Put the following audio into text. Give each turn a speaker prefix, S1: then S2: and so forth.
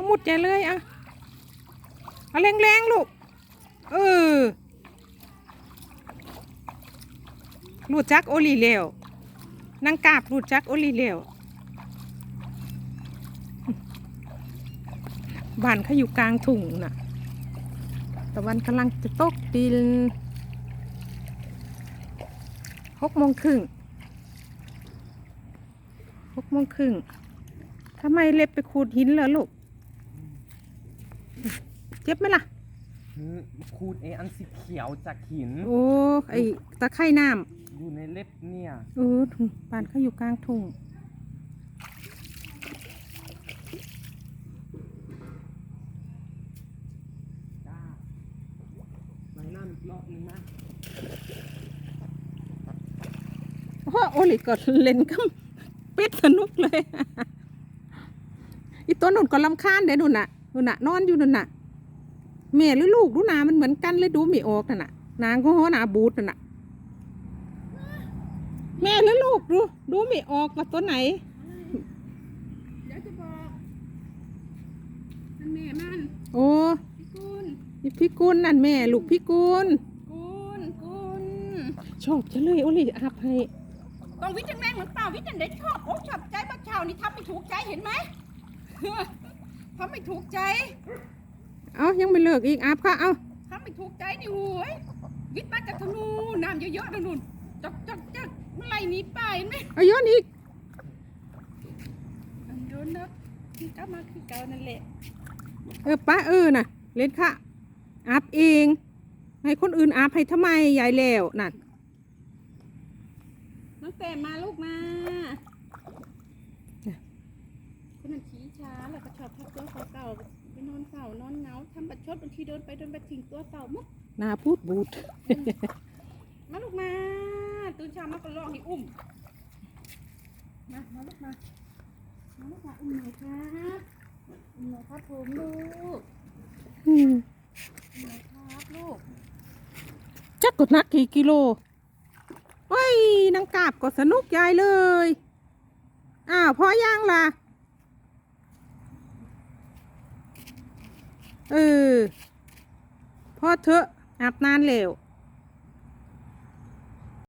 S1: มุดใหญ่เลยอ่ะเอาแรงๆลูกรูดจักโอลีเลวนางกาบรูดจักโอลีเลวบ้านเขาอยู่กลางทุ่งน่ะตะวันกำลังจะตกดิน6:30ทำไมเล็บไปขูดหินเหรอลูกเจ็บไหมล่ะ
S2: ขูดอันสีเขียวจากหิน
S1: โอ้ไอตะไคร่น้
S2: ำอยู่ในเล็บเนี่ย
S1: บ้านเขาอยู่กลางทุ่ง
S2: ไปน้ำอีกรอบนึงนะ
S1: โอลิก็เล่นกับเป็ดสนุกเลยอีตัวนุ่นก็รำคาญเด้นุ่นน่ะนอนอยู่นุ่นน่ะแม่หรือลูกดูหนามันเหมือนกันเลยดูไม่ออกน่ะนางก็หนาบูดน่ะแม่หรือลูกดูไม่ออกว่าตัวไหน
S3: เดี๋ยวจะบอกมันแม่มัน
S1: โอ้พี่กุลนั่นแม่ลูกพี่กุลชอบจะเลยโอลิอาบให้
S3: ต้องวิจารณ์แรงเหมือนเปล่าวิจารณ์ได้ชอบอกชอบใจเมื่อเช้านี่ทำไม่ถูกใจเห็นไหมทำไม่ถูกใจ
S1: ยังไม่เลิกอีกอาบค่ะ
S3: ทำไม่ถูกใจนี่โว้ยวิทย์มาจากทางนู้นน้ำเยอะๆนู่นจักเมื่อไรนี้ไปไหม
S1: ย้อนอีก
S3: โยนนะที่กลับมาคือเก่านั่นแหละ
S1: ป้าน่ะเล่นค่ะอาบเองให้คนอื่นอาบให้ทำไมยายแล้วนั่น
S3: น้องแต่มาลูกมาคนนั้นขี้ช้าแล้วก็ชอบทักตัวเก่าไปนอนเก่านอนเหงาทำบัดชดบางทีเดินไปทิ้งตัวเก่ามุก
S1: นาพูดบูด
S3: มาลูกมาตื่นเช้ามาก็ร้องให้อุ้มมาลูกมาอุ้มหน่อยครับผมลูกอุ้มหน่อยครับลูก
S1: จักกดนักกี่กิโลโอ้ยนางกาบก็สนุกยายเลยพอย่างล่ะพอเถอะอาบนานแล้ว